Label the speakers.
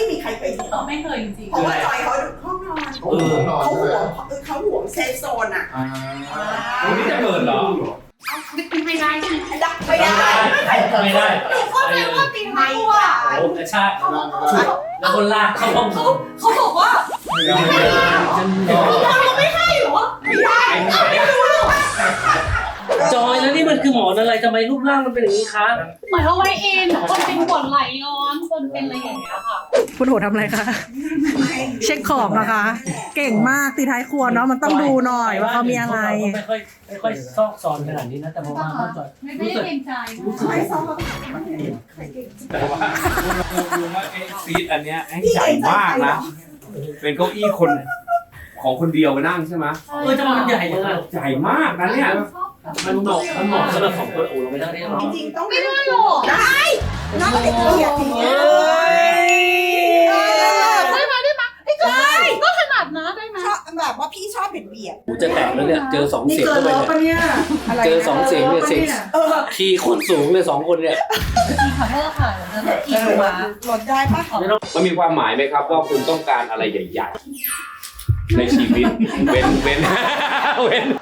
Speaker 1: มีใครเคยเห็น
Speaker 2: ไม่เคยจริง
Speaker 1: เพราะว่าจอยเขาห้องนอนเขาห่วงเซฟโซนอ่ะ
Speaker 3: วันนี้จะเปิดเหรอ
Speaker 2: ไม่ได้ใช่ไหม
Speaker 1: ไม่ได้
Speaker 4: ไม่ได้
Speaker 2: เข้าใจว่าตีไม่กลัว
Speaker 4: โอ้กระชากแล้วคนลากเข้าห้อง
Speaker 2: เขาบอกว่า เราไม่ให้หรอไม่ได้ไม่รู้หรอ
Speaker 4: จอยแล้วนี่มันคือหมอนอะไรทำไมรูปร่างมันเป็นอย่างนี้คะ
Speaker 2: หมายเอาไว้เองคนเป็นปวดไหลงอนคนเป็นอะไรอย่างเงี้ยค่ะ
Speaker 5: คุณโหทำอะไรคะ เช็คของนะคะ เก่งมากตีท้ายครัวเนาะมันต้องดูหน่อยว่าเขามีอะไร
Speaker 4: ไม่ค่อยซอกซอนขนาดนี้นะแต่พอมาเข้าจอย
Speaker 2: ไม่ได้เกรงใจ
Speaker 1: ไม่ซ้อม
Speaker 3: แต่ว่ารู้ว่าไอ้ซีทอันเนี้ยไอ้ใหญ่มากนะ เป็นเก้าอี้คนของคนเดียวไปนั่งใช่ไหม
Speaker 4: ทำไมมันใหญ่ยังไง
Speaker 3: ใหญ่มากนะเนี่ย
Speaker 4: มันเหมาะสำหรับของคนโอ้เราไม่ได้หรอ
Speaker 1: จริงต้อง
Speaker 2: ไม่ได้หรอก
Speaker 1: ได้น้องก็ได้เกียรติเ
Speaker 2: ได้ไหมไอ้จอยก็ขนาดนะได้ไหม
Speaker 1: ชอบแบบว่าพี่ชอบเบียด
Speaker 4: กูจะแตกแล้วเนี่ยเจอ2เสียงเข้าไปเนี่ย
Speaker 1: อะไร
Speaker 4: เจอ2เสียงเนี่ยเสียงคีย์โคตรสูงเลย2คนเนี่ย
Speaker 2: ขอโทษค่ะเดี๋ยวจะกี่ตัว
Speaker 1: หลดได้ปะ
Speaker 3: มันมีความหมายไหมครับว่าคุณต้องการอะไรใหญ่ๆในชีวิตเว้น